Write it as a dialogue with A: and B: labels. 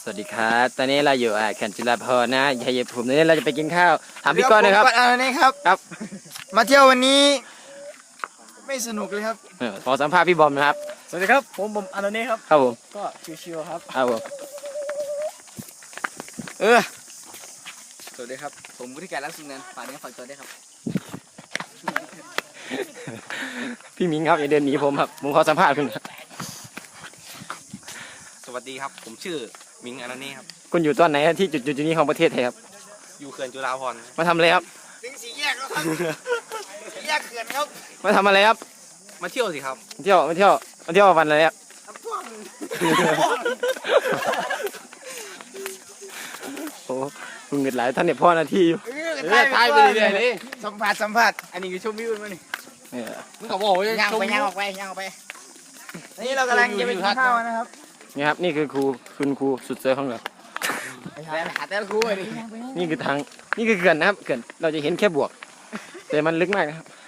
A: วัสดีครับตอนนี้เราอยู่เขื่อนจุฬาภรณ์นะชัยภูมินี้เราจะไปกินข้าวถามพี่ก้อนนะครับ
B: นี่ครับ
A: ครับ
B: มาเที่ยววันนี้ไม่สนุกเลยครับ
A: ขอสัมภาษณ์พี่บอมนะครับ
C: สวัสดีครับผมอานนท์ครับ
A: ครับผม
C: ก็ชิวๆครับ
A: ครับผม
C: สวัสดีครับผมวุฒิการรักสุนันท์ฝากเนื้อฝากตัวด้วยครับ
A: พี่มิงครับอย่าเดินหนีผมครับผมขอสัมภาษณ์คุณครับ
D: สวัสดีครับผมชื่อมิงอนันต์ครับ
A: คุณอยู่ตอนไหนที่จุดนี้ของประเทศไทยครับ
D: อยู่เขื่อนจุฬาภรณ์
A: มาทำอะไรครับ
B: ถึงสี่แยกแล้วครับสี่แยกเขื่อนครับ
A: มาทำอะไรครับ
D: มาเที่ยวสิครับ
A: มาเที่ยววันอะไรครับโอ้คุณเงินหลายท่านเนี่ยพ่อหน้าที่อยู่
C: ทายไปเรื่อยๆเลย
B: สัมผัส
C: อันนี้คือชมวิวมานี่
A: เนี่ย
C: มึงก็บอกว่า
B: ย่าง
C: ชม
B: ไป
C: วิ
B: ย่าง
C: ว
B: ออกไปนี่เรากำลังจะไปกินข้าวนะครับ
A: นี่ครับนี่คือคุณครูสุดเซอร์ของเรา
C: แต่หาแต่ละคู่เลย
A: นี่คือเขื่อนนะครับเขื่อนเราจะเห็นแค่บวกแต่มันลึกมากนะครับ